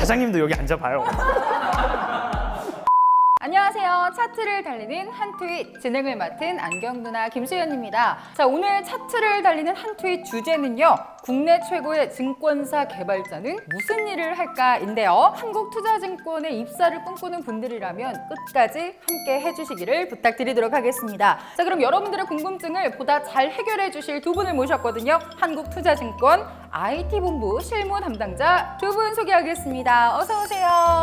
사장님도 여기 앉아봐요. 안녕하세요. 차트를 달리는 한 트윗 진행을 맡은 안경 누나 김수연입니다. 자, 오늘 차트를 달리는 한 트윗 주제는요. 국내 최고의 증권사 개발자는 무슨 일을 할까인데요. 한국투자증권에 입사를 꿈꾸는 분들이라면 끝까지 함께 해주시기를 부탁드리도록 하겠습니다. 자, 그럼 여러분들의 궁금증을 보다 잘 해결해 주실 두 분을 모셨거든요. 한국투자증권 IT본부 실무 담당자 두 분 소개하겠습니다. 어서 오세요.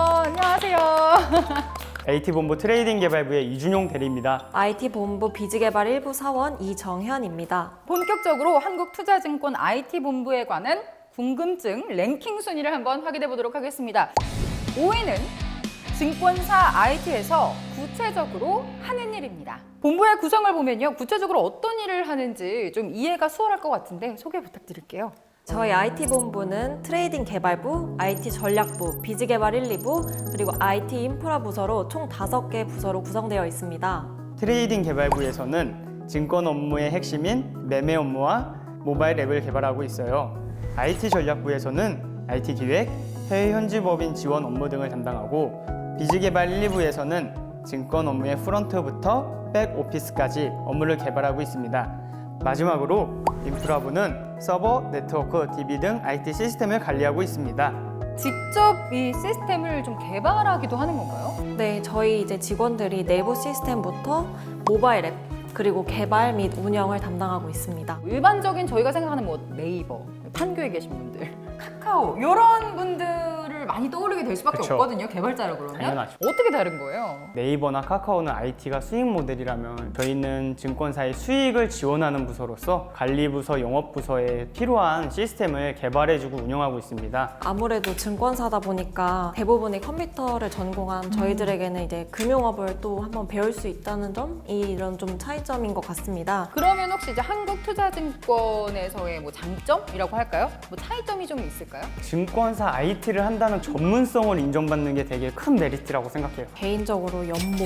안녕하세요. IT본부 트레이딩 개발부의 이준용 대리입니다. IT본부 비즈개발 1부 사원 이정현입니다. 본격적으로 한국투자증권 IT본부에 관한 궁금증 랭킹 순위를 한번 확인해 보도록 하겠습니다. 5위는 증권사 IT에서 구체적으로 하는 일입니다. 본부의 구성을 보면요. 구체적으로 어떤 일을 하는지 좀 이해가 수월할 것 같은데 소개 부탁드릴게요. 저희 IT본부는 트레이딩 개발부, IT 전략부, 비즈개발 1, 2부, 그리고 IT 인프라 부서로 총 5개 부서로 구성되어 있습니다. 트레이딩 개발부에서는 증권 업무의 핵심인 매매 업무와 모바일 앱을 개발하고 있어요. IT 전략부에서는 IT 기획, 해외 현지 법인 지원 업무 등을 담당하고 비즈개발 1, 2부에서는 증권 업무의 프런트부터 백 오피스까지 업무를 개발하고 있습니다. 마지막으로 인프라부는 서버, 네트워크, DB 등 IT 시스템을 관리하고 있습니다. 직접 이 시스템을 좀 개발하기도 하는 건가요? 네, 저희 이제 직원들이 내부 시스템부터 모바일 앱, 그리고 개발 및 운영을 담당하고 있습니다. 일반적인 저희가 생각하는 뭐 네이버, 판교에 계신 분들, 카카오 이런 분들을 많이 떠올리게 될 수밖에 그쵸. 없거든요. 개발자라 그러면. 당연하죠. 어떻게 다른 거예요? 네이버나 카카오는 IT가 수익 모델이라면 저희는 증권사의 수익을 지원하는 부서로서 관리부서, 영업부서에 필요한 시스템을 개발해주고 운영하고 있습니다. 아무래도 증권사다 보니까 대부분이 컴퓨터를 전공한 저희들에게는 이제 금융업을 또 한번 배울 수 있다는 점이 이런 좀 차이점인 것 같습니다. 그러면 혹시 이제 한국투자증권에서의 뭐 장점이라고 할까요? 뭐 차이점이 좀 있을까요? 증권사 IT를 한다는 전문성을 인정받는 게 되게 큰 메리트라고 생각해요. 개인적으로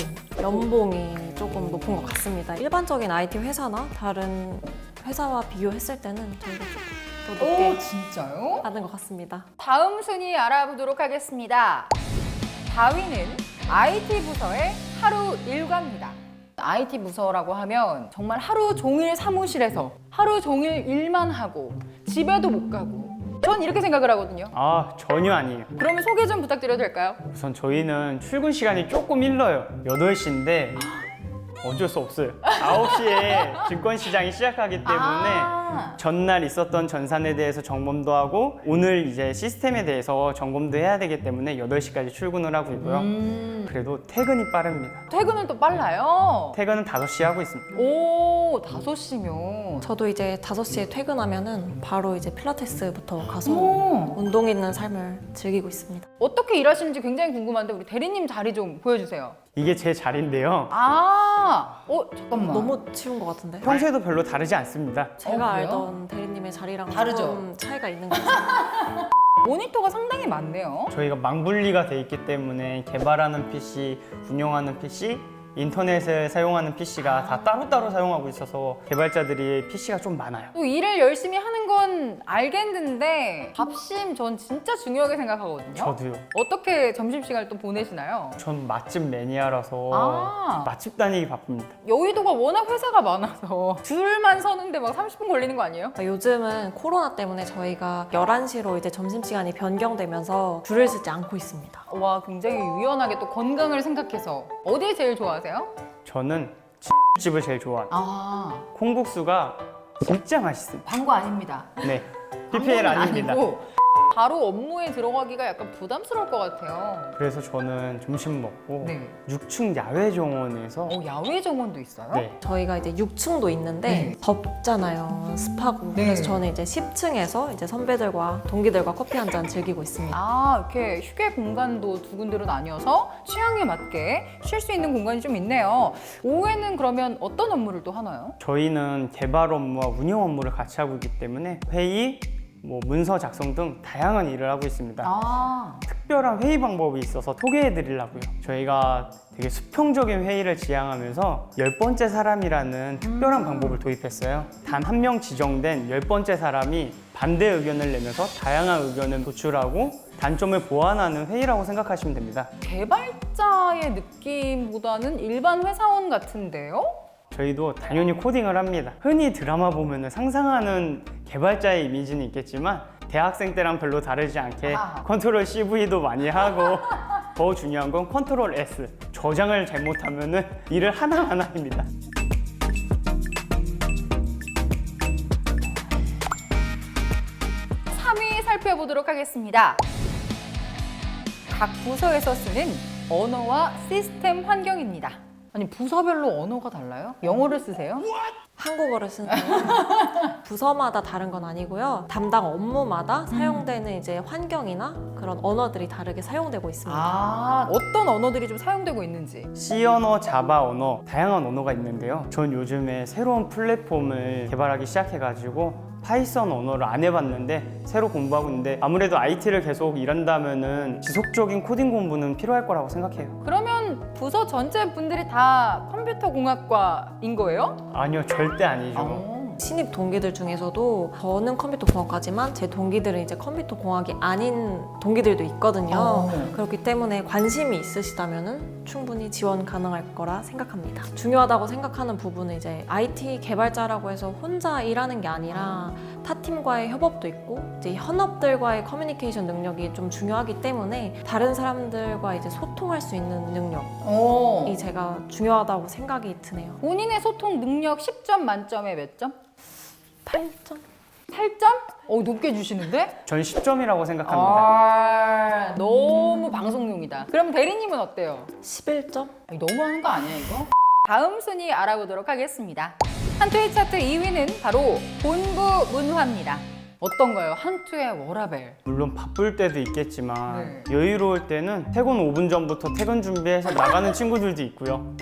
연봉이 조금 높은 것 같습니다. 일반적인 IT 회사나 다른 회사와 비교했을 때는 저희가 조금 더 높게 진짜요? 받은 것 같습니다. 다음 순위 알아보도록 하겠습니다. 4위는 IT 부서의 하루 일과입니다. IT 부서라고 하면 정말 하루 종일 사무실에서 하루 종일 일만 하고 집에도 못 가고 전 이렇게 생각을 하거든요. 아, 전혀 아니에요. 그러면 소개 좀 부탁드려도 될까요? 우선 저희는 출근 시간이 조금 일러요. 8시인데 어쩔 수 없어요. 9시에 증권시장이 시작하기 때문에 전날 있었던 전산에 대해서 점검도 하고 오늘 이제 시스템에 대해서 점검도 해야 되기 때문에 8시까지 출근을 하고 있고요. 그래도 퇴근이 빠릅니다. 퇴근은 또 빨라요. 퇴근은 5시에 하고 있습니다. 오, 5시면. 저도 이제 5시에 퇴근하면은 바로 이제 필라테스부터 가서 오. 운동 있는 삶을 즐기고 있습니다. 어떻게 일하시는지 굉장히 궁금한데 우리 대리님 자리 좀 보여주세요. 이게 제 자리인데요. 잠깐만. 너무 치운 것 같은데? 평소에도 별로 다르지 않습니다. 제가 그래요? 알던 대리님의 자리랑 다르죠? 좀 차이가 있는 것 같아요. 모니터가 상당히 많네요. 저희가 망분리가 돼 있기 때문에 개발하는 PC, 운영하는 PC, 인터넷을 사용하는 PC가 다 따로따로 사용하고 있어서 개발자들이 PC가 좀 많아요. 또 일을 열심히 하는 건 알겠는데 밥심 전 진짜 중요하게 생각하거든요. 저도요. 어떻게 점심시간을 또 보내시나요? 전 맛집 매니아라서 아. 맛집 다니기 바쁩니다. 여의도가 워낙 회사가 많아서 줄만 서는데 막 30분 걸리는 거 아니에요? 요즘은 코로나 때문에 저희가 11시로 이제 점심시간이 변경되면서 줄을 서지 않고 있습니다. 와, 굉장히 유연하게 또 건강을 생각해서 어디 제일 좋아하세요? 저는 집을 제일 좋아합니다. 아, 콩국수가 진짜 맛있습니다. 광고 아닙니다. 네, PPL 아닙니다. 아니고 바로 업무에 들어가기가 약간 부담스러울 것 같아요. 그래서 저는 점심 먹고 네. 6층 야외 정원에서 야외 정원도 있어요? 네, 저희가 이제 6층도 있는데 네. 덥잖아요. 습하고. 네. 그래서 저는 이제 10층에서 이제 선배들과 동기들과 커피 한 잔 즐기고 있습니다. 이렇게 휴게 공간도 두 군데로 나뉘어서 취향에 맞게 쉴 수 있는 공간이 좀 있네요. 오후에는 그러면 어떤 업무를 또 하나요? 저희는 개발 업무와 운영 업무를 같이 하고 있기 때문에 회의, 문서 작성 등 다양한 일을 하고 있습니다. 특별한 회의 방법이 있어서 소개해 드리려고요. 저희가 되게 수평적인 회의를 지향하면서 10번째 사람이라는 특별한 방법을 도입했어요. 단 한 명 지정된 10번째 사람이 반대 의견을 내면서 다양한 의견을 도출하고 단점을 보완하는 회의라고 생각하시면 됩니다. 개발자의 느낌보다는 일반 회사원 같은데요? 저희도 당연히 코딩을 합니다. 흔히 드라마 보면 상상하는 개발자의 이미지는 있겠지만 대학생 때랑 별로 다르지 않게 컨트롤 CV도 많이 하고 더 중요한 건 컨트롤 S, 저장을 잘못하면 일을 하나하나입니다. 살펴보도록 하겠습니다. 각 부서에서 쓰는 언어와 시스템 환경입니다. 아니 부서별로 언어가 달라요? 영어를 쓰세요? 한국어를 쓰는 부서마다 다른 건 아니고요. 담당 업무마다 사용되는 이제 환경이나 그런 언어들이 다르게 사용되고 있습니다. 아, 어떤 언어들이 좀 사용되고 있는지. C 언어, 자바 언어, 다양한 언어가 있는데요. 전 요즘에 새로운 플랫폼을 개발하기 시작해가지고 파이썬 언어를 안 해봤는데 새로 공부하고 있는데 아무래도 IT를 계속 일한다면은 지속적인 코딩 공부는 필요할 거라고 생각해요. 그러면 부서 전체 분들이 다 컴퓨터 공학과인 거예요? 아니요, 절대 아니죠. 신입 동기들 중에서도 저는 컴퓨터 공학과지만 제 동기들은 이제 컴퓨터 공학이 아닌 동기들도 있거든요. 그렇기 때문에 관심이 있으시다면은 충분히 지원 가능할 거라 생각합니다. 중요하다고 생각하는 부분은 이제 IT 개발자라고 해서 혼자 일하는 게 아니라 타 팀과의 협업도 있고 이제 현업들과의 커뮤니케이션 능력이 좀 중요하기 때문에 다른 사람들과 이제 소통할 수 있는 능력이 제가 중요하다고 생각이 드네요. 본인의 소통 능력 10점 만점에 몇 점? 8점? 8점? 높게 주시는데? 전 10점이라고 생각합니다. 아, 너무 방송용이다. 그럼 대리님은 어때요? 11점? 아니, 너무하는 거 아니야 이거? 다음 순위 알아보도록 하겠습니다. 한투의 차트 2위는 바로 본부 문화입니다. 어떤가요? 한투의 워라벨. 물론 바쁠 때도 있겠지만 여유로울 때는 퇴근 5분 전부터 퇴근 준비해서 나가는 친구들도 있고요.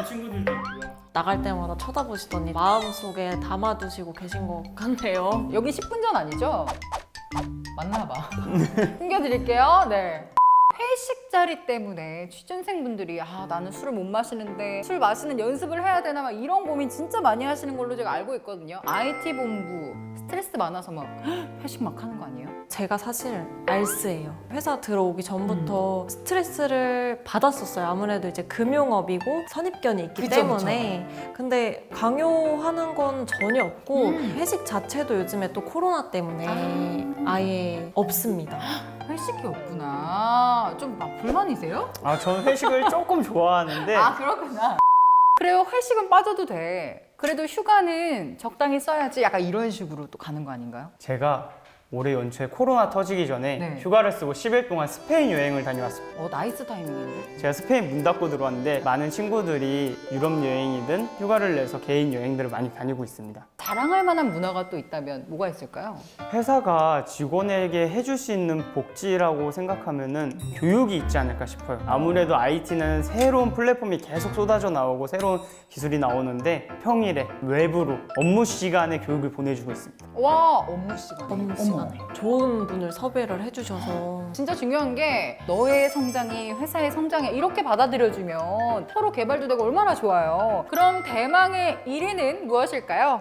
나갈 때마다 쳐다보시더니 마음속에 담아두시고 계신 것 같네요. 여기 10분 전 아니죠? 맞나 봐. 숨겨드릴게요. 네. 회식 자리 때문에 취준생분들이 나는 술을 못 마시는데 술 마시는 연습을 해야 되나 막 이런 고민 진짜 많이 하시는 걸로 제가 알고 있거든요. IT 본부 스트레스 많아서 막 회식 막 하는 거 아니에요? 제가 사실 알스예요. 회사 들어오기 전부터 스트레스를 받았었어요. 아무래도 이제 금융업이고 선입견이 있기 때문에. 근데 강요하는 건 전혀 없고 회식 자체도 요즘에 또 코로나 때문에 아예 없습니다. 회식이 없구나. 좀 불만이세요? 저는 회식을 조금 좋아하는데 그렇구나. 그래요. 회식은 빠져도 돼. 그래도 휴가는 적당히 써야지. 약간 이런 식으로 또 가는 거 아닌가요? 제가 올해 연초에 코로나 터지기 전에 네. 휴가를 쓰고 10일 동안 스페인 여행을 다녀왔습니다. 나이스 타이밍인데? 제가 스페인 문 닫고 들어왔는데 많은 친구들이 유럽 여행이든 휴가를 내서 개인 여행들을 많이 다니고 있습니다. 자랑할 만한 문화가 또 있다면 뭐가 있을까요? 회사가 직원에게 해줄 수 있는 복지라고 생각하면은 교육이 있지 않을까 싶어요. 아무래도 IT는 새로운 플랫폼이 계속 쏟아져 나오고 새로운 기술이 나오는데 평일에 외부로 업무 시간에 교육을 보내주고 있습니다. 와, 업무 시간. 업무 시간에 좋은 분을 섭외를 해주셔서 진짜 중요한 게 너의 성장이 회사의 성장에 이렇게 받아들여주면 서로 개발도 되고 얼마나 좋아요. 그럼 대망의 1위는 무엇일까요?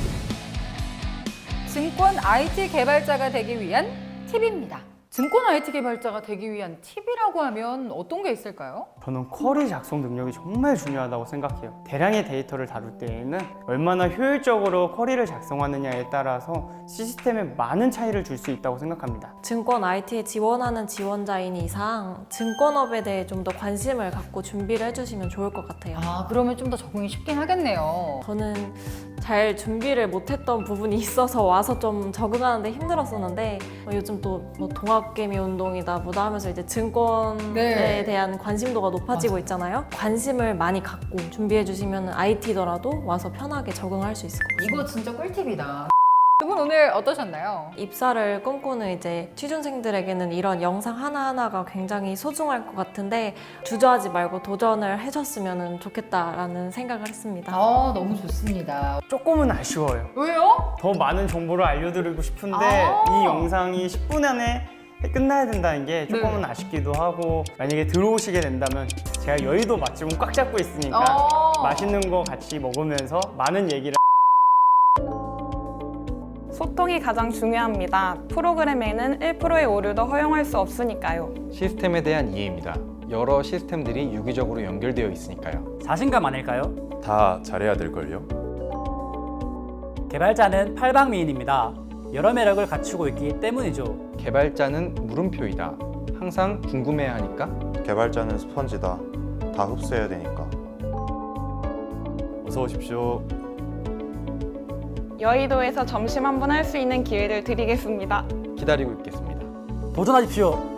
증권 IT 개발자가 되기 위한 팁입니다. 증권 IT 개발자가 되기 위한 팁이라고 하면 어떤 게 있을까요? 저는 쿼리 작성 능력이 정말 중요하다고 생각해요. 대량의 데이터를 다룰 때에는 얼마나 효율적으로 쿼리를 작성하느냐에 따라서 시스템에 많은 차이를 줄 수 있다고 생각합니다. 증권 IT에 지원하는 지원자인 이상 증권업에 대해 좀 더 관심을 갖고 준비를 해주시면 좋을 것 같아요. 그러면 좀 더 적응이 쉽긴 하겠네요. 저는 잘 준비를 못했던 부분이 있어서 와서 좀 적응하는데 힘들었었는데 요즘 또 뭐 동학개미 운동이다 뭐다 하면서 이제 증권에 대한 관심도가 높아지고 있잖아요. 관심을 많이 갖고 준비해 주시면 IT더라도 와서 편하게 적응할 수 있을 것 같아요. 이거 진짜 꿀팁이다. 두 분 오늘 어떠셨나요? 입사를 꿈꾸는 이제 취준생들에게는 이런 영상 하나하나가 굉장히 소중할 것 같은데 주저하지 말고 도전을 해줬으면 좋겠다라는 생각을 했습니다. 너무 좋습니다. 조금은 아쉬워요. 왜요? 더 많은 정보를 알려드리고 싶은데 이 영상이 10분 안에 끝나야 된다는 게 조금은 아쉽기도 하고 만약에 들어오시게 된다면 제가 여의도 맛집은 꽉 잡고 있으니까 맛있는 거 같이 먹으면서 많은 얘기를 소통이 가장 중요합니다. 프로그램에는 1%의 오류도 허용할 수 없으니까요. 시스템에 대한 이해입니다. 여러 시스템들이 유기적으로 연결되어 있으니까요. 자신감 아닐까요? 다 잘해야 될걸요? 개발자는 팔방미인입니다. 여러 매력을 갖추고 있기 때문이죠. 개발자는 물음표이다. 항상 궁금해하니까. 개발자는 스펀지다. 다 흡수해야 되니까. 어서 오십시오. 여의도에서 점심 한번 할 수 있는 기회를 드리겠습니다. 기다리고 있겠습니다. 도전하십시오.